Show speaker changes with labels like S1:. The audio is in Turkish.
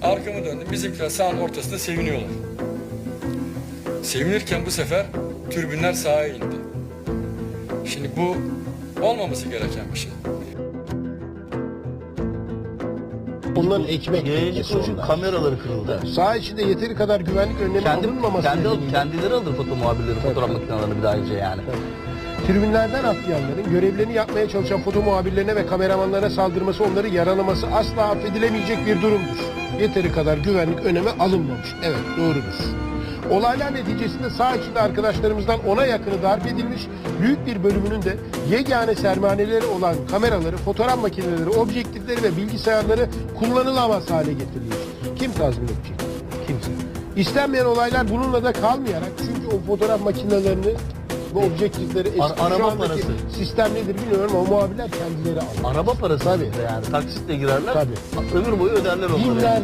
S1: Arkamı döndüm. Bizimkiler sahanın ortasında seviniyorlar. Sevinirken bu sefer türbünler sahaya indi. Şimdi bu olmaması gereken bir şey.
S2: Onların ekmek
S3: Yayıncı
S2: teknesi
S3: kuruluşun
S2: onlar.
S3: kameraları kırıldı.
S2: Saha içinde yeteri kadar güvenlik önlemi alınmaması nedeniyle
S3: Kendileri alır foto muhabirleri, fotoğraf makinelerini bir daha önce yani.
S2: tribünlerden atlayanların görevlerini yapmaya çalışan foto muhabirlerine ve kameramanlarına saldırması, onları yaralaması asla affedilemeyecek bir durumdur. Yeteri kadar güvenlik önlemi alınmamış. Evet, doğrudur. Olaylar neticesinde saha içinde arkadaşlarımızdan 10'a yakını darp edilmiş, büyük bir bölümünün de yegane sermayeleri olan kameraları, fotoğraf makineleri, objektifleri ve bilgisayarları kullanılamaz hale getirilmiş. Kim tazmin edecek? Kimse. İstenmeyen olaylar bununla da kalmayarak, çünkü o fotoğraf makinelerini, bu objektifleri eski
S3: Araba
S2: şu andaki
S3: parası.
S2: sistem nedir bilmiyorum ama muhabirler kendileri alıyor.
S3: Araba parası
S2: Tabii.
S3: yani taksitle girerler.
S2: Tabii.
S3: Ömür boyu öderler onları.
S2: Binler